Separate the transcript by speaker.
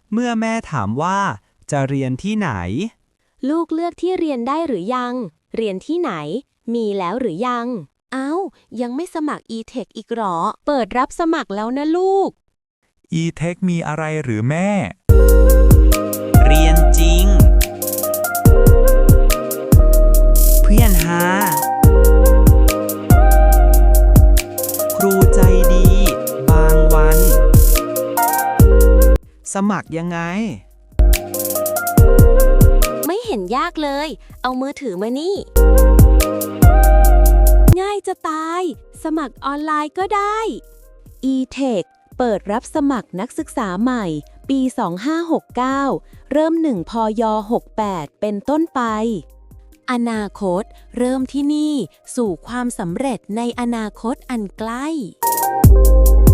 Speaker 1: เมื่อแม่ถามว่าจะเรียนที่ไหน
Speaker 2: ลูกเลือกที่เรียนได้หรือยัง เรียนที่ไหน มีแล้วหรือยัง เอ้า ยังไม่สมัคร e-tech อีกหรอ เปิดรับสมัครแล้วนะลูก
Speaker 3: e-tech มีอะไรหรือแม่
Speaker 1: เรียนจริง เพื่อนหาครูใจดี บางวัน สมัครยังไง
Speaker 2: ไม่เห็นยากเลย เอามือถือมานี่ ง่ายจะตาย สมัครออนไลน์ก็ได้ e-tech เปิดรับสมัครนักศึกษาใหม่ ปี 2569 เริ่ม 1 พย 68 เป็นต้นไป อนาคตเริ่มที่นี่ สู่ความสำเร็จในอนาคตอันใกล้